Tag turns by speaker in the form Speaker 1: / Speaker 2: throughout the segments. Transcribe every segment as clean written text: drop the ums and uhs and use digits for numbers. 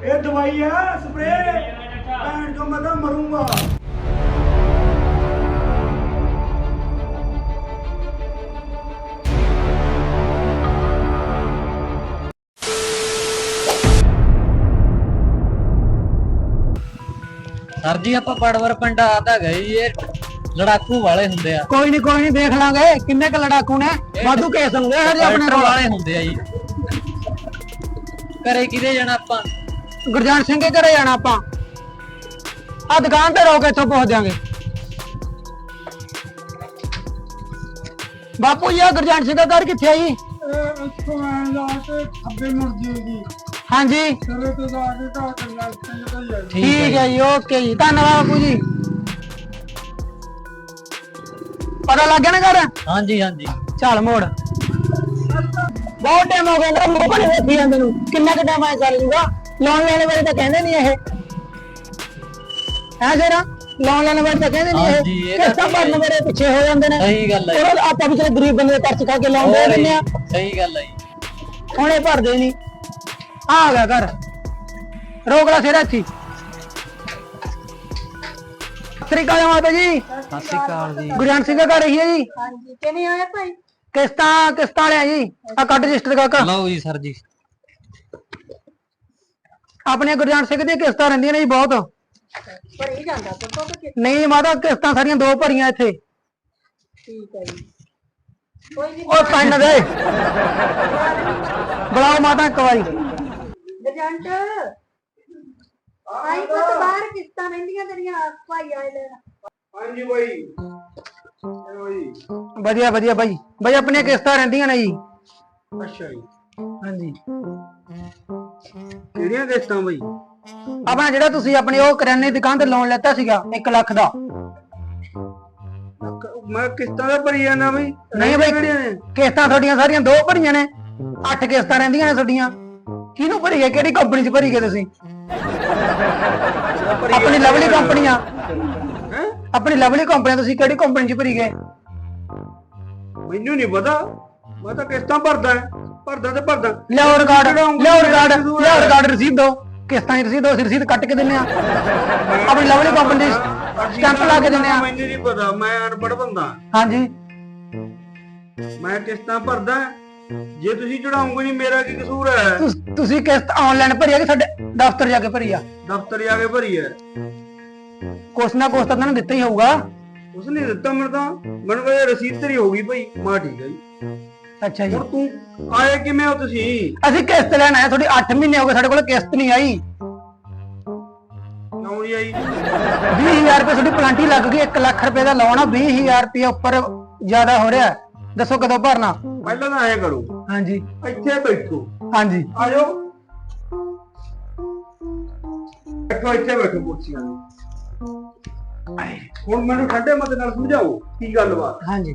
Speaker 1: ये दवाई है स्प्रे भैन जो मैं तो मरूंगा।
Speaker 2: सर जी आप पड़वर पिंड आता गए ये लड़ाकू वाले ਹੁੰਦੇ ਆ।
Speaker 3: ਕੋਈ ਨਹੀਂ ਦੇਖ ਲਾਂਗੇ ਕਿੰਨੇ ਕ ਲੜਾਕੂ ਨੇ ਵਾਧੂ ਕੇਸ ਹੁੰਦੇ ਹਜੇ ਆਪਣੇ
Speaker 2: ਰੋਲ ਵਾਲੇ ਹੁੰਦੇ ਆ ਜੀ। ਘਰੇ ਕਿਹਦੇ ਜਾਣਾ ਆਪਾਂ?
Speaker 3: ਗੁਰਜਾਨ ਸਿੰਘ ਦੇ ਘਰੇ ਜਾਣਾ ਆਪਾਂ। ਆ ਦੁਕਾਨ ਤੇ ਰੋਕ ਇੱਥੋਂ ਪਹੁੰਚ ਜਾਾਂਗੇ। ਬਾਪੂ ਜੀ ਆ ਗੁਰਜਾਨ ਸਿੰਘ ਦਾ ਘਰ ਕਿੱਥੇ ਆ ਜੀ?
Speaker 1: ਇੱਥੋਂ ਐਂ ਲਾ ਕੇ ਖੱਬੇ ਮੁੜ ਜੇਗੀ
Speaker 3: ਹਾਂਜੀ
Speaker 1: ਸਿਰੇ ਤੇ ਜਾ ਕੇ ਘਰ ਕੰਨਾ ਸਿੰਘ ਦਾ ਹੀ ਹੈ।
Speaker 3: ਠੀਕ ਹੈ ਜੀ ਓਕੇ ਜੀ ਧੰਨਵਾਦ ਬਾਪੂ ਜੀ। ਪਤਾ ਲੱਗ ਗਿਆ ਨਾ ਘਰ?
Speaker 2: ਹਾਂਜੀ ਹਾਂਜੀ
Speaker 3: ਚੱਲ ਮੋੜ। ਬਹੁਤ ਟਾਈਮ ਹੋ ਗਿਆ ਮੇਰਾ ਮੂੰਹ ਬਣੇ ਵੇਖੀ ਜਾਂਦੇ ਨੂੰ। ਕਿੰਨਾ ਕੁ ਟਾਈਮ ਆਇਆ ਚੱਲ ਜੂਗਾ? ਲੋਨ ਲੈਣ ਵਾਲੇ ਤਾਂ ਕਹਿੰਦੇ ਨਹੀਂ ਇਹ ਹੈ ਜਰਾ ਲੋਨ ਲੈਣ ਵਾਲੇ ਤਾਂ ਕਹਿੰਦੇ
Speaker 2: ਹਾਂਜੀ,
Speaker 3: ਨਹੀਂ
Speaker 2: ਇਹ
Speaker 3: ਇਹ
Speaker 2: ਤਾਂ
Speaker 3: ਕਿਸ਼ਤਾਂ ਭਰਨ ਵੇਲੇ ਪਿੱਛੇ ਹੋ ਜਾਂਦੇ ਨੇ।
Speaker 2: ਸਹੀ ਗੱਲ ਹੈ।
Speaker 3: ਉਹ ਆਪਾਂ ਵੀ ਚਲੋ ਗਰੀਬ ਬੰਦੇ ਦੇ ਖਰਚ ਖਾ ਕੇ ਲੋਨ ਦੇ ਦਿੰਦੇ ਆ।
Speaker 2: ਸਹੀ ਗੱਲ ਹੈ ਜੀ।
Speaker 3: ਹੁਣ ਇਹ ਭਰਦੇ ਨਹੀਂ। ਆ ਗਿਆ ਘਰ ਰੋਕ ਲਾ ਸਿਰ ਇੱਥੇ। ਸਤਿ ਸ੍ਰੀ ਅਕਾਲ ਮਾਤਾ ਜੀ।
Speaker 2: ਸਤਿ ਸ਼੍ਰੀ ਅਕਾਲ ਜੀ।
Speaker 3: ਗੁਰਜਾਨ ਸਿੰਘ ਦਾ ਘਰ ਇਹੀ ਹੈ ਜੀ?
Speaker 4: ਹਾਂਜੀ ਕਿਵੇਂ ਆਇਆ ਭਾਈ?
Speaker 3: ਕਿਸ਼ਤਾਂ ਵਾਲਿਆ ਜੀ। ਆ ਕੱਢ ਰਜਿਸਟਰ ਕਾਕਾ।
Speaker 2: ਲਓ ਜੀ ਸਰ ਜੀ।
Speaker 3: ਆਪਣੇ ਗੁਰਜਾਨ ਸਿੰਘ ਦੀਆਂ ਕਿਸ਼ਤਾਂ ਰਹਿੰਦੀਆਂ ਨੇ ਜੀ ਬਹੁਤ।
Speaker 4: ਪਰ ਇਹ ਜਾਂਦਾ ਤਾਂ ਕਿ
Speaker 3: ਨਹੀਂ ਮਾਤਾ ਕਿਸ਼ਤਾਂ ਸਾਰੀਆਂ ਦੋ ਭਰੀਆਂ ਇੱਥੇ।
Speaker 4: ਠੀਕ ਹੈ ਜੀ। ਕੋਈ ਨਹੀਂ
Speaker 3: ਉਹ ਕੰਨ ਦੇ ਬੁਲਾਓ ਮਾਤਾ ਇੱਕ ਵਾਰੀ।
Speaker 4: ਏਜੰਟ ਆਈ ਪੁੱਤ ਬਾਹਰ ਕਿਸ਼ਤਾਂ ਰਹਿੰਦੀਆਂ ਤੇਰੀਆਂ ਭਾਈ ਆਏ ਲੈਣ।
Speaker 1: ਹਾਂਜੀ ਬਾਈ ਬਾਈ
Speaker 3: ਵਧੀਆ ਵਧੀਆ ਬਾਈ। ਬਾਈ ਆਪਣੀਆਂ ਕਿਸ਼ਤਾਂ ਰਹਿੰਦੀਆਂ ਨੇ ਜੀ।
Speaker 1: ਅੱਛਾ ਜੀ
Speaker 3: ਹਾਂਜੀ
Speaker 1: ਕਿਹੜੀਆਂ ਕਿਸ਼ਤਾਂ ਬਾਈ?
Speaker 3: ਆਪਣਾ ਜਿਹੜਾ ਤੁਸੀਂ ਆਪਣੀ ਉਹ ਕਰਿਆਨੇ ਦੀ ਦੁਕਾਨ ਤੇ ਲੋਨ ਲੈਤਾ ਸੀਗਾ 1 ਲੱਖ ਦਾ।
Speaker 1: ਮੈਂ ਕਿਸ਼ਤਾਂ ਦਾ ਭਰੀ ਜਾਂਦਾ ਬਾਈ।
Speaker 3: ਨਹੀਂ ਬਾਈ
Speaker 1: ਕਿਹੜੀਆਂ ਨੇ?
Speaker 3: ਕਿਸ਼ਤਾਂ ਤੁਹਾਡੀਆਂ ਸਾਰੀਆਂ ਦੋ ਭਰੀਆਂ ਨੇ। 8 ਕਿਸ਼ਤਾਂ ਰਹਿੰਦੀਆਂ ਨੇ ਤੁਹਾਡੀਆਂ। ਕਿਹਨੂੰ ਭਰੀ ਹੈ? ਕਿਹੜੀ ਕੰਪਨੀ 'ਚ ਭਰੀ ਗਏ ਤੁਸੀਂ? ਆਪਣੀ ਲਵਲੀ ਕੰਪਨੀਆਂ।
Speaker 1: ਹੈਂ?
Speaker 3: ਆਪਣੀ ਲਵਲੀ ਕੰਪਨੀ ਤੁਸੀਂ ਕਿਹੜੀ ਕੰਪਨੀ 'ਚ ਭਰੀ ਗਏ?
Speaker 1: ਮੈਨੂੰ ਨਹੀਂ ਪਤਾ। ਮੈਂ ਤਾਂ ਕਿਸ਼ਤਾਂ ਭਰਦਾ ਤੇ ਭਰਦਾ।
Speaker 3: ਲਿਆਓ ਰਿਕਾਰਡ ਰਸੀਦ ਦਿਓ। ਕਿਸ਼ਤਾਂ ਦੀ ਰਸੀਦ ਦਿਓ। ਅਸੀਂ ਰਸੀਦ ਕੱਟ ਕੇ ਦਿੰਨੇ ਆ। ਆਪਣੀ ਲਵਲੀ ਕੰਪਨੀ ਦੀ ਸਟੈਂਪ ਲਾ ਕੇ ਦਿੰਨੇ ਆ।
Speaker 1: ਮੈਨੂੰ ਨਹੀਂ ਪਤਾ। ਮੈਂ ਅਨਪੜ੍ਹ ਬੰਦਾ।
Speaker 3: ਹਾਂਜੀ
Speaker 1: ਮੈਂ ਕਿਸ਼ਤਾਂ ਭਰਦਾ। ਜੇ ਤੁਸੀਂ ਚੜਾਉਂਗੇ ਨਹੀਂ ਮੇਰਾ ਕੀ ਕਸੂਰ ਹੈ?
Speaker 3: ਤੁਸੀਂ ਕਿਸ਼ਤ ਆਨਲਾਈਨ ਭਰੀ ਆ ਕਿ ਸਾਡੇ ਦਫ਼ਤਰ ਜਾ ਕੇ ਭਰੀ ਆ?
Speaker 1: ਦਫ਼ਤਰ ਜਾ ਕੇ ਭਰੀ ਹੈ।
Speaker 3: ਕੁਛ ਨਾ ਕੁਛ ਤਾਂ ਤੁਹਾਨੂੰ ਦਿੱਤਾ ਹੀ ਹੋਊਗਾ।
Speaker 1: ਉਸਨੇ ਦਿੱਤਾ ਮੈਨੂੰ ਕਹਿੰਦਾ ਰਸੀਦ ਤੇਰੀ ਹੋ ਗਈ ਭਾਈ। ਮਾ ਠੀਕ ਹੈ ਜੀ।
Speaker 3: ਅੱਛਾ ਜੀ
Speaker 1: ਹੁਣ ਤੂੰ ਆਏ ਕਿਵੇਂ ਹੋ ਤੁਸੀਂ?
Speaker 3: ਅਸੀਂ ਕਿਸ਼ਤ ਲੈਣ ਆਏ। ਤੁਹਾਡੀ 8 ਮਹੀਨੇ ਹੋ ਗਏ ਸਾਡੇ ਕੋਲ ਕਿਸ਼ਤ ਨਹੀਂ ਆਈ।
Speaker 1: ਕਿਉਂ ਨਹੀਂ ਆਈ?
Speaker 3: 20,000 ਰੁਪਏ ਤੁਹਾਡੀ ਪਲਾਂਟੀ ਲੱਗ ਗਈ। 1 ਲੱਖ ਰੁਪਏ ਦਾ ਲੋਨ ਆ। 20,000 ਰੁਪਏ ਉੱਪਰ ਜ਼ਿਆਦਾ ਹੋ ਰਿਹਾ। ਦੱਸੋ ਕਦੋਂ ਭਰਨਾ?
Speaker 1: ਪਹਿਲਾਂ ਤਾਂ ਐਂ ਕਰੋ
Speaker 3: ਹਾਂਜੀ
Speaker 1: ਇੱਥੇ ਬੈਠੋ।
Speaker 3: ਹਾਂਜੀ
Speaker 1: ਆ ਜਾਓ ਬੈਠੋ ਇੱਥੇ ਬੈਠੋ ਕੁਰਸੀਆਂ ਤੇ। ਹੁਣ ਮੈਨੂੰ ਠੰਡੇ ਮਤ ਨਾਲ ਸਮਝਾਓ ਕੀ ਗੱਲਬਾਤ।
Speaker 3: ਹਾਂਜੀ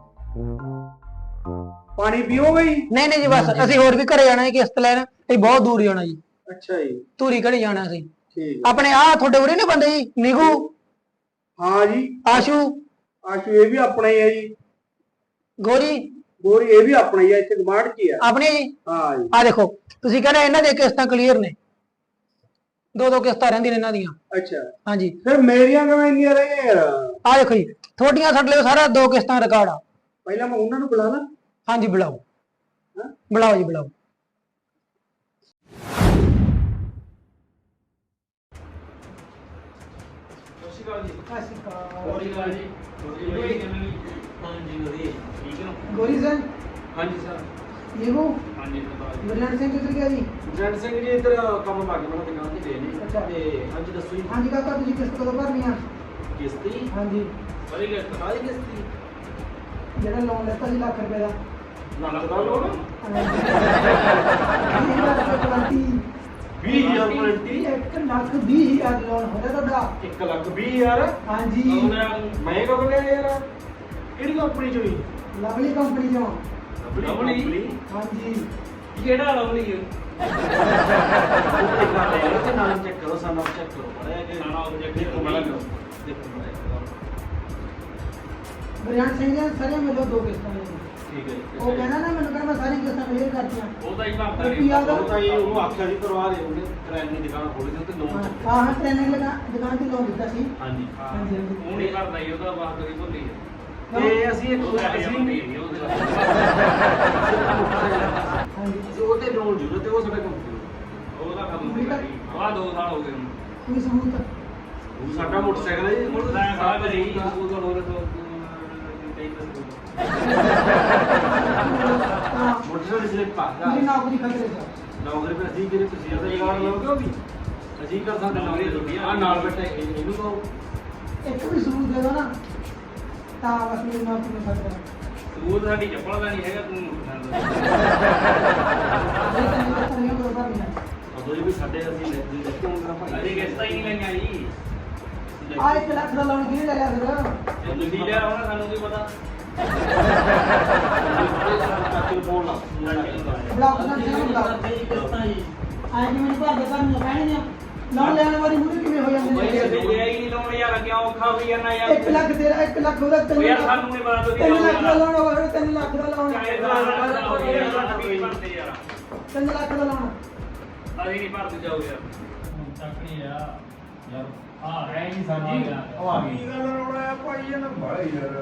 Speaker 1: ਪਾਣੀ ਪੀਓਗੇ ਜੀ?
Speaker 3: ਨਹੀਂ ਜੀ ਬਸ ਅਸੀਂ ਹੋਰ ਵੀ ਘਰੇ ਜਾਣਾ ਹੈ ਕਿਸ਼ਤ ਲੈਣ। ਅਸੀਂ ਬਹੁਤ ਦੂਰ ਜਾਣਾ ਜੀ।
Speaker 1: ਅੱਛਾ ਜੀ
Speaker 3: ਧੂਰੀ ਘੜੀ ਜਾਣਾ ਸੀ।
Speaker 1: ਠੀਕ
Speaker 3: ਆਪਣੇ ਆ ਤੁਹਾਡੇ ਉਰੇ ਨਹੀਂ ਬੰਦੇ ਜੀ? ਨਿਗੂ
Speaker 1: ਹਾਂ ਜੀ।
Speaker 3: ਆਸ਼ੂ
Speaker 1: ਆਸ਼ੂ ਇਹ ਵੀ ਆਪਣਾ ਹੀ ਹੈ ਜੀ।
Speaker 3: ਗੋਰੀ
Speaker 1: ਗੋਰੀ ਇਹ ਵੀ ਆਪਣਾ ਹੀ ਹੈ। ਇੱਥੇ ਗਮਾਂਡ ਕੀ ਹੈ?
Speaker 3: ਆਪਣੇ ਜੀ।
Speaker 1: ਹਾਂ ਜੀ।
Speaker 3: ਆ ਦੇਖੋ ਤੁਸੀਂ ਕਹਿੰਦੇ ਇਹਨਾਂ ਦੀਆਂ ਕਿਸ਼ਤਾਂ ਕਲੀਅਰ ਨੇ। ਦੋ ਕਿਸ਼ਤਾਂ ਰਹਿੰਦੀਆਂ ਨੇ ਇਹਨਾਂ ਦੀਆਂ।
Speaker 1: ਅੱਛਾ
Speaker 3: ਹਾਂਜੀ
Speaker 1: ਫਿਰ ਮੇਰੀਆਂ ਕਿਵੇਂ ਇੰਨੀਆਂ ਰਹੀਆਂ ਯਾਰ?
Speaker 3: ਆ ਦੇਖੋ ਜੀ ਤੁਹਾਡੀਆਂ ਸਾਡੇ ਲਈ ਸਾਰਾ 2 ਕਿਸ਼ਤਾਂ ਰਿਕਾਰਡ ਆ।
Speaker 1: ਪਹਿਲਾਂ ਮੈਂ ਉਹਨਾਂ ਨੂੰ ਬੁਲਾ ਲਾਂ।
Speaker 3: ਹਾਂਜੀ ਬੁਲਾਓ। ਬੁਲਾਓ ਜੀ ਬੁਲਾਓ। ਗੋਰੀ ਸਰ।
Speaker 5: ਹਾਂਜੀ ਸਰ।
Speaker 3: ਨਿਗੂ
Speaker 5: ਹਾਂਜੀ ਸਰਦਾਰ ਜੀ।
Speaker 3: ਗੁਰਜੰਟ ਸਿੰਘ ਕਿੱਧਰ ਗਿਆ ਜੀ?
Speaker 5: ਜੈਨ ਸਿੰਘ ਜੀ ਇੱਧਰ ਕੰਮ ਪਾ ਕੇ ਮੈਨੂੰ ਦੁਕਾਨ ਤੇ ਗਏ ਨੇ।
Speaker 3: ਅੱਛਾ।
Speaker 5: ਤੇ ਹਾਂਜੀ ਦੱਸੋ ਜੀ।
Speaker 3: ਹਾਂਜੀ ਕਾਕਾ ਤੁਸੀਂ ਕਿਸ਼ਤ ਕਦੋਂ ਭਰਨੀ ਆ?
Speaker 5: ਕਿਸ਼ਤੀ
Speaker 3: ਹਾਂਜੀ
Speaker 5: ਬੜੀ ਕਿਸ਼ਤ ਕਾਹਦੀ ਕਿਸ਼ਤੀ?
Speaker 3: ਜਿਹੜਾ ਲੋਨ ਲੈਤਾ ਸੀ ਲੱਖ ਰੁਪਏ ਦਾ।
Speaker 5: ਲੱਖ ਦਾ ਲੋਨ
Speaker 3: 20,000
Speaker 5: 20,000
Speaker 3: 1 ਲੱਖ 20,000 ਲੋਨ ਹੋ ਗਿਆ ਤੁਹਾਡਾ।
Speaker 5: 1,20,000
Speaker 3: ਹਾਂਜੀ
Speaker 5: ਮੈਂ ਕਦੋਂ ਲਿਆ ਯਾਰ? ਕਿਹੜੀ ਕੰਪਨੀ ਚੋਂ?
Speaker 3: ਲਵਲੀ ਕੰਪਨੀ ਚੋਂ।
Speaker 5: ਲਵਲੀ?
Speaker 3: ਹਾਂਜੀ
Speaker 5: ਕਿਹੜਾ ਲਵਲੀ ਹੈ? ਤੇ ਨਾਮ ਚੈੱਕ ਕਰੋ। ਸਾਨੂੰ ਚੈੱਕ ਕਰੋ ਬੜਾ ਕਿ ਨਾਮ ਆਬਜੈਕਟ ਦੇਖੋ ਬੜਾ ਕਰੋ। ਦੇਖੋ
Speaker 3: ਗੁਰਜੰਟ ਸਿੰਘ ਜੀ ਸਾਰੇ ਮਿਲੋ 2 ਕਿਸ਼ਤਾਂ ਨੇ।
Speaker 5: ਠੀਕ ਹੈ ਜੀ।
Speaker 3: ਉਹ ਕਹਿੰਦਾ ਨਾ ਮੈਨੂੰ ਕਹਿੰਦਾ ਮੈਂ ਸਾਰੀ ਕਿਸ਼ਤਾਂ ਕਲੀਅਰ ਕਰਤੀਆਂ
Speaker 5: ਉਹ ਤਾਂ ਹੀ ਭਰਦਾ
Speaker 3: ਰੁਪਈਆ
Speaker 5: ਨਹੀਂ
Speaker 3: ਦਾ-
Speaker 5: ਉਹ ਤਾਂ ਹੀ ਉਹਨੂੰ ਆਖਿਆ ਸੀ ਕਰਵਾ ਦੇ ਉਹਨੇ ਕਰਿਆਨੇ ਦੀ ਦੁਕਾਨ ਖੋਲੀ ਸੀ ਤੇ ਲੋਨ
Speaker 3: ਹਾਂ ਹਾਂ ਟ੍ਰੇਨਿੰਗ ਲਗਾ ਦੁਕਾਨ ਤੇ ਲੋਨ ਦਿੱਤਾ ਸੀ
Speaker 5: ਹਾਂਜੀ
Speaker 3: ਹਾਂਜੀ ਹਾਂਜੀ
Speaker 5: ਉਹ ਨਹੀਂ ਭਰਦਾ ਜੀ ਉਹਦਾ ਬਾਤ ਕਰੀ ਭੁੱਲੀ ਹੈ
Speaker 3: ਹਾਂ।
Speaker 5: ਤੇ ਅਸੀਂ ਇੱਕ ਅਸੀਂ ਉਹਦੇ ਲੋਨ ਜੁੜੇ ਤੇ ਉਹ ਸਾਡੇ ਕੋਲ ਉਹਦਾ ਖਤਮ ਹੋ ਗਿਆ ਜੀ ਆਹ 2 ਸਾਲ ਹੋ ਗਏ ਹੁਣ
Speaker 3: ਕੋਈ ਸਬੂਤ
Speaker 5: ਉਹ ਸਾਡਾ ਮੋਟਰਸਾਈਕਲ ਹੈ ਜੀ ਹੁਣ ਤਾਂ ਸਾਰਾ ਜੀ ਸਕੂਲ ਦਾ ਹੋਰ ਤੋਂ
Speaker 3: ਹਾਂ
Speaker 5: ਮੋਟਰਸਾਈਕਲ ਸਲਿੱਪ ਆ
Speaker 3: ਮੇਰੀ ਨੌਕਰੀ ਖਤਰੇ 'ਚ
Speaker 5: ਨੌਕਰੀ ਪਰ ਅਸੀਂ ਜਿਹੜੇ ਤੁਸੀਂ ਉਹਦਾ ਜਗਾੜ ਲਓਗੇ ਉਹ ਵੀ ਅਸੀਂ ਕਰ ਸਕਦੇ ਨੌਕਰੀ ਤੁਹਾਡੀ ਆ ਨਾਲ ਬੈਠੇ ਇਹਨੂੰ ਕਹੋ
Speaker 3: ਇੱਕ ਵੀ ਸਬੂਤ ਦੇ ਦੋ ਨਾ ਤਾਂ ਬਸ ਮੇਰੀ ਨੌਕਰੀ ਨੂੰ ਖਤਰਾ
Speaker 5: ਸਬੂਤ ਸਾਡੀ ਚੱਪਲ ਦਾ ਨਹੀਂ ਹੈਗਾ ਤੂੰ
Speaker 3: ਇਹ ਤਾਂ ਨਹੀਂ ਕਰੀਏ ਕੋਈ ਬਾਤ ਨਹੀਂ
Speaker 5: ਉਦੋਂ ਵੀ ਸਾਡੇ ਅਸੀਂ ਲੈਤੇ ਹੋਣਾ ਭਾਈ ਅਸੀਂ ਕਿਸ਼ਤਾਂ ਹੀ ਨਹੀਂ ਲਈਆਂ ਜੀ
Speaker 3: ਆ 1 ਲੱਖ ਦਾ ਲੋਨ ਕਿਹਨੇ ਲਿਆ ਫਿਰ
Speaker 5: ਤੁਸੀਂ ਲਿਆ ਹੋਣਾ ਸਾਨੂੰ ਕੀ ਪਤਾ ਚਾਚੂ ਨੂੰ ਫੋਨ ਲਾ
Speaker 3: ਬਲਾਕ ਦਾ ਜਿਹੜਾ ਬਲਾਕ ਆਏ ਕਿ ਮੈਨੂੰ ਭਾਗ ਕਰਨ ਨੂੰ ਕਹਿਣੇ ਨੇ ਲੋਨ ਲੈਣ ਵਾਲੀ ਮੁਰੇ ਕਿਵੇਂ ਹੋ ਜਾਂਦੇ
Speaker 5: ਬਈ
Speaker 3: ਨੇ
Speaker 5: ਅਸੀਂ ਲਿਆ ਹੀ ਨਹੀਂ ਲਾਉਣ ਯਾਰ ਕਿਉਂ ਔਖਾ ਹੋਈ ਜਾਂਦਾ ਯਾਰ
Speaker 3: 1 ਲੱਖ ਤੇਰਾ 1 ਲੱਖ ਉਹਦਾ 3
Speaker 5: ਯਾਰ ਸਾਨੂੰ ਨਹੀਂ ਪਤਾ ਤੁਸੀਂ
Speaker 3: 3 ਲੱਖ ਦਾ ਲੋਨ ਹੋਵੇ 3 ਲੱਖ ਦਾ ਲੋਨ 3 ਲੱਖ ਦਾ ਲੋਨ
Speaker 5: ਅਸੀਂ ਨਹੀਂ ਭਰਦੇ ਜਾਓ ਯਾਰ ਚੱਕਣੀ ਆ ਯਾਰ ਆ ਹੈ ਨਹੀਂ ਸਾਡੀ ਉਹ ਆ ਗਈ
Speaker 1: ਕੀ ਗੱਲ ਰੋਣਾ ਭਾਈ ਇਹਨਾਂ ਬਾਹਲਾ ਯਾਰ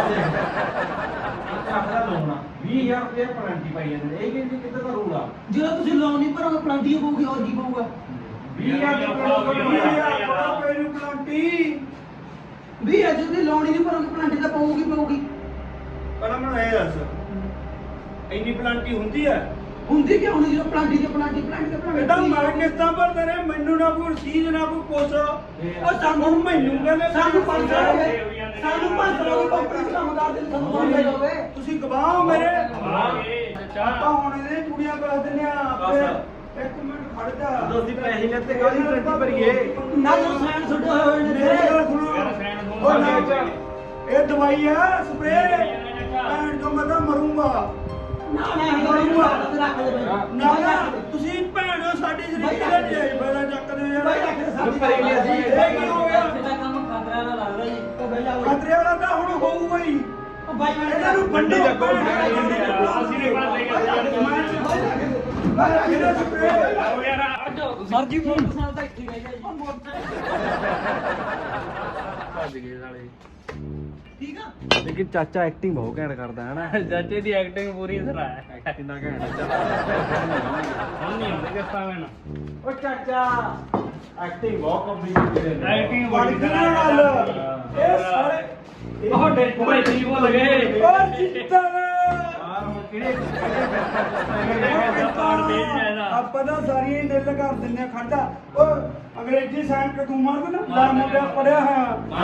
Speaker 5: ਆਪਣਾ ਲੋਨਾ 20000 ਰੁਪਏ ਪਲੰਟੀ ਪਾਈ ਜਾਂਦੇ ਨੇ ਇਹ ਕਿੱਥੇ ਦਾ ਰੂਲ ਆ
Speaker 3: ਜਦੋਂ ਤੁਸੀਂ ਲੋਨ ਨਹੀਂ ਭਰੋਗੇ ਪਲੰਟੀ ਹੋਊਗੀ ਹੋਰ ਕੀ ਪਊਗਾ
Speaker 5: 20000
Speaker 1: ਰੁਪਏ ਨੂੰ ਪਲਾਂਟੀ
Speaker 3: ਵੀ ਅੱਜ ਦੀ ਲੋਨ ਹੀ ਨਹੀਂ ਭਰੋਗੇ ਪਲੰਟੀ ਤਾਂ ਪਊਗੀ ਪਊਗੀ
Speaker 1: ਪਰ ਮੈਨੂੰ ਇਹ ਦੱਸ ਇੰਨੀ ਪਲਾਂਟੀ ਹੁੰਦੀ ਹੈ
Speaker 3: ਹੁੰਦੀ ਕਿਉਂ ਨਹੀਂ ਜਦੋਂ ਪਲੰਟੀ ਤੇ ਪਲੰਟੀ
Speaker 1: ਇਹਦਾ ਮੈਂ ਕਿਸ਼ਤਾਂ ਭਰਦੇ ਰਹੇ ਮੈਨੂੰ ਨਾ ਕੋਈ ਰਸੀਦ ਨਾ ਕੋਈ ਕੁਛ ਉਹ ਸਾਨੂੰ ਮੈਨੂੰ ਕਹਿੰਦੇ
Speaker 3: ਸਾਨੂੰ 500 ਸਾਨੂੰ 500 ਦੀ ਕੰਪਨੀ ਚ ਕੰਮ ਕਰਦੇ ਨੇ ਸਾਨੂੰ ਲੋਨ ਦੇ ਦੋਗੇ
Speaker 1: ਤੁਸੀਂ ਗਵਾਹ ਹੋ ਮੇਰੇ
Speaker 5: ਚਾਹ
Speaker 1: ਆਪਾਂ ਹੁਣ ਇਹਦੇ ਕੁੜੀਆਂ ਕਰ ਦਿੰਦੇ ਆ ਆਪੇ ਇੱਕ ਮਿੰਟ ਖੜ ਜਾ
Speaker 5: ਜਦੋਂ ਅਸੀਂ ਪੈਸੇ ਲੈਤੇ ਕਾਹਦੀ ਗਰੰਟੀ ਭਰੀਏ
Speaker 3: ਨਾ ਜੋ ਸੈਨ ਛੱਡੇ ਹੋਏ ਨੇ
Speaker 1: ਮੇਰੀ ਗੱਲ ਸੁਣੋ ਉਹ ਨਾ ਇਹ ਦਵਾਈ ਆ ਸਪਰੇਅ ਭੈਣ ਤੋਂ ਮੈਂ ਤਾਂ ਮਰੂੰਗਾ
Speaker 3: ਨਾ ਇਹ ਕਰੂੰਗਾ ਰੱਖ ਦੇ ਬਈ
Speaker 1: ਨਾ ਨਾ ਤੁਸੀਂ ਭੈਣੋ ਸਾਡੀ ਜ਼ਿੰਦਗੀ ਦੇ ਨਹੀਂ ਆਈ ਪਹਿਲਾਂ ਚੱਕਦੇ ਯਾਰ
Speaker 3: ਬਈ ਰੱਖ ਦੇ ਸਾਡੀ
Speaker 1: ਭਰੀ ਲਈ ਅਸੀਂ। ਇਹ ਕੀ ਹੋ ਗਿਆ
Speaker 3: ਕੰਮ ਖਤਰਾ ਦਾ ਲੱਗਦਾ ਜੀ ਉਹ ਬਈ ਜਾ
Speaker 1: ਖਤਰੇ ਵਾਲਾ ਤਾਂ ਹੁਣ ਹੋਊਗਾ ਹੀ
Speaker 3: ਉਹ ਬਾਈ ਮੈਂ
Speaker 1: ਇਹਨਾਂ ਨੂੰ ਵੰਡੋ
Speaker 5: ਅਸੀਂ ਨੇ ਬਾਤ ਲਈ
Speaker 3: ਸਰ ਜੀ ਮੋਟਰਸਾਈਕਲ ਤਾਂ ਇੱਥੇ ਰਹਿ ਗਿਆ ਜੀ
Speaker 5: ਭੱਜ ਗਏ ਸਾਲੇ
Speaker 3: ਠੀਕ ਆ
Speaker 5: ਲੇਕਿਨ ਚਾਚਾ ਐਕਟਿੰਗ ਬਹੁਤ ਘੈਂਟ ਕਰਦਾ ਹੈ ਨਾ ਚਾਚੇ ਦੀ ਐਕਟਿੰਗ ਪੂਰੀ ਸਰਾ ਹੈ ਕਿੰਨਾ ਘੈਂਟ ਚੱਲ ਹੁਣ ਨਹੀਂ ਹੁੰਦੇ ਕਿਸਤਾ ਮੈਂ
Speaker 1: ਉਹ ਚਾਚਾ
Speaker 5: ਐਕਟਿੰਗ ਬਹੁਤ ਕੰਪਲੀਟ ਐਕਟਿੰਗ
Speaker 1: ਬਣ ਗਈ ਨਾ ਗੱਲ ਇਹ ਸਾਰੇ
Speaker 5: ਉਹ ਡੇਟ ਭਾਈ ਜੀ ਬੋਲ ਗਏ
Speaker 1: ਉਹ ਚਿੱਤਰ ਆਪਾਂ ਤਾਂ ਸਾਰੀਆਂ ਹੀ ਨਿੱਲ ਕਰ ਦਿੰਦੇ ਆ ਖੜਦਾ ਉਹ ਅੰਗਰੇਜ਼ੀ ਸਾਇੰਸ ਤੇ ਤੂੰ ਮਾਰ ਨਾ ਲਾ ਮੁੰਡਾ ਪੜਿਆ ਹੋਇਆ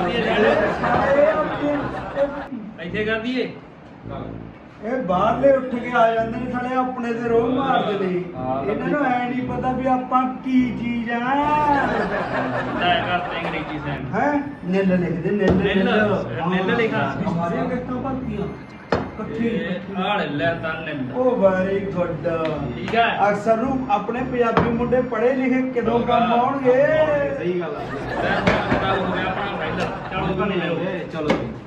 Speaker 5: ਇੱਥੇ ਕਰ ਦਈਏ
Speaker 1: ਇਹ ਬਾਹਰਲੇ ਉੱਠ ਕੇ ਆ ਜਾਂਦੇ ਨੇ ਸਾਲੇ ਆਪਣੇ ਤੇ ਰੋਹ ਮਾਰਦੇ ਨੇ ਇਹਨਾਂ ਨੂੰ ਐ ਨਹੀਂ ਪਤਾ ਵੀ ਆਪਾਂ ਕੀ ਚੀਜ਼ ਆ
Speaker 5: ਲੈ ਕਰਦੇ ਅੰਗਰੇਜ਼ੀ ਸਾਇੰਸ
Speaker 1: ਹੈ ਨਿੱਲ ਲਿਖਦੇ ਨਿੱਲ
Speaker 5: ਨਿੱਲ ਲਿਖਾ
Speaker 1: ਸਾਰੀਆਂ ਕਿਸ਼ਤਾਂ ਭਰਤੀਆਂ ਇਕੱਠੀ
Speaker 5: ਆਹ ਲੈ ਤਾਂ ਨਿੱਲ
Speaker 1: ਉਹ ਵੈਰੀ ਗੁੱਡ
Speaker 5: ਠੀਕ ਹੈ
Speaker 1: ਅਕਸਰ ਨੂੰ ਆਪਣੇ ਪੰਜਾਬੀ ਮੁੰਡੇ ਪੜ੍ਹੇ ਲਿਖੇ ਕਿਦੋਂ ਕੰਮ ਆਉਣਗੇ
Speaker 5: ਸਹੀ ਗੱਲ ਆ ਹੋ ਗਿਆ ਆਪਣਾ ਫਾਇਦਾ ਚਲੋ ਤਾਂ ਨਹੀਂ ਲਿਓ
Speaker 1: ਚਲੋ